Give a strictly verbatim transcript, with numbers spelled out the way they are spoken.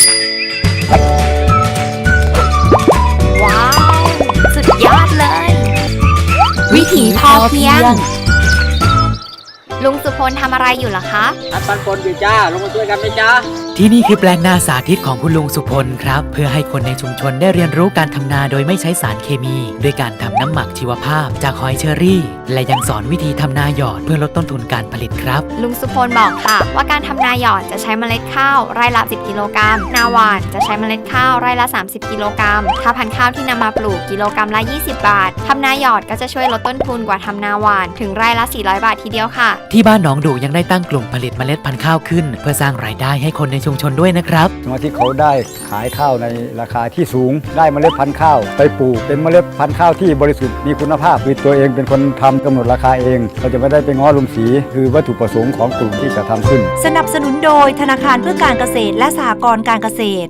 ว้าว สุดยอดเลย วิถีพอเพียง ลุงสุพลทำอะไรอยู่เหรอคะอัดปันปนอยู่จ้าลงมาช่วยกันไหมจ้าที่นี่คือแปลงนาสาธิตของคุณลุงสุพลครับเพื่อให้คนในชุมชนได้เรียนรู้การทำนาโดยไม่ใช้สารเคมีด้วยการทำน้ำหมักชีวภาพจากหอยเชอรี่ และยังสอนวิธีทำนาหยอดเพื่อลดต้นทุนการผลิตครับลุงสุพลบอกค่ะว่าการทำนาหยอดจะใช้เมล็ดข้าวไร่ละสิบกิโลกรัมนาหวานจะใช้เมล็ดข้าวไร่ละสามสิบกิโลกรัมถ้าพันธุ์ข้าวที่นำมาปลูกกิโลกรัมละยี่สิบบาททำนาหยอดก็จะช่วยลดต้นทุนกว่าทำนาหวานถึงไร่ละสี่ร้อยบาททีเดียวค่ะที่บ้านหนองดูยังได้ตั้งกลุ่มผลิตเมล็ดพันธุ์ข้าวขึ้นเพื่อสร้างรายได้ให้คนในชุมชนด้วยนะครับสมาชิกเขาได้ขายข้าวในราคาที่สูงได้เมล็ดพันธุ์ข้าวไปปลูกเป็นเมล็ดพันธุ์ข้าวที่บริสุทธิ์มีคุณภาพคือตัวเองเป็นคนทำกำหนดราคาเองเราจะไม่ได้ไปง้อลุงสีคือวัตถุประสงค์ของกลุ่มที่จะทำขึ้นสนับสนุนโดยธนาคารเพื่อการเกษตรและสหกรณ์การเกษตร